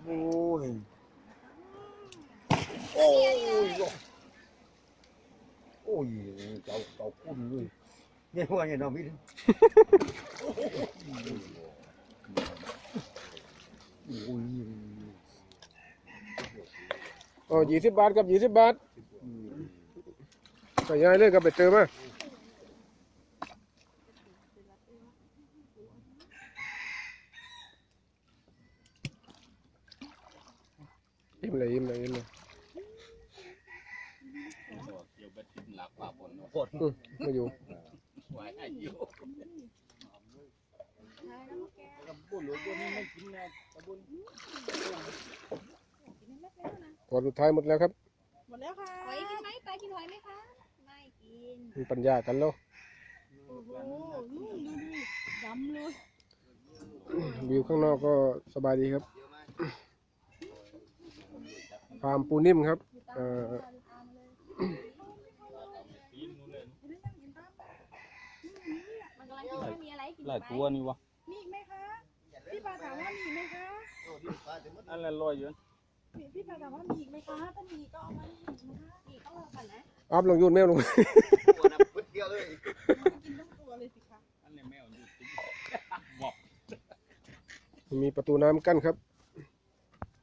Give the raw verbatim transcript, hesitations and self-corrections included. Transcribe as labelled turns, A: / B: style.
A: โอ้ยโอ้ยโอ้ยเจ้าเจ้าคุ้นเลยเนี่ยว่าเนี่ยน้องพี่โอ้ย
B: อ๋อยี่สิบบาทกับยี่สิบบาทใส่ยายเลยกับไปเติมมายิ้มเลยยิ้มเลยยิ้มเลยอืมมาอยู่ขวดสุดท้ายหมดแล้วครับ
C: หมดแล้วค่ะ
D: หอยกินไหมปลากินหอยไหมคะไม่กิน
B: มีปัญญากันแล้ว
C: โอ้โหอืมดูดิดำเลย
B: วิวข้างนอกก็สบายดีครับฟาร์มปูนิ่มครับเอ่อ
D: มันกำลังคิดว่ามีอะไรกิน
E: หลายตัวนี่วะ
C: มีอีกไหมคะพี่ปาถามว่ามีอีกไหมคะ
E: อันละร้อยอยู่
C: พี่พี่ปาถามว่ามีอีกไหมคะถ้ามีก็เอามาอีกนะคะ
D: นี่ต้องรอก่อนนะ
B: อัพลงยูนแมวลง
C: กินทั้งตัวเลยสิคะ
E: อันนี้แมวอยู่ติ๊ก
B: มีประตูน้ำกั้นครับ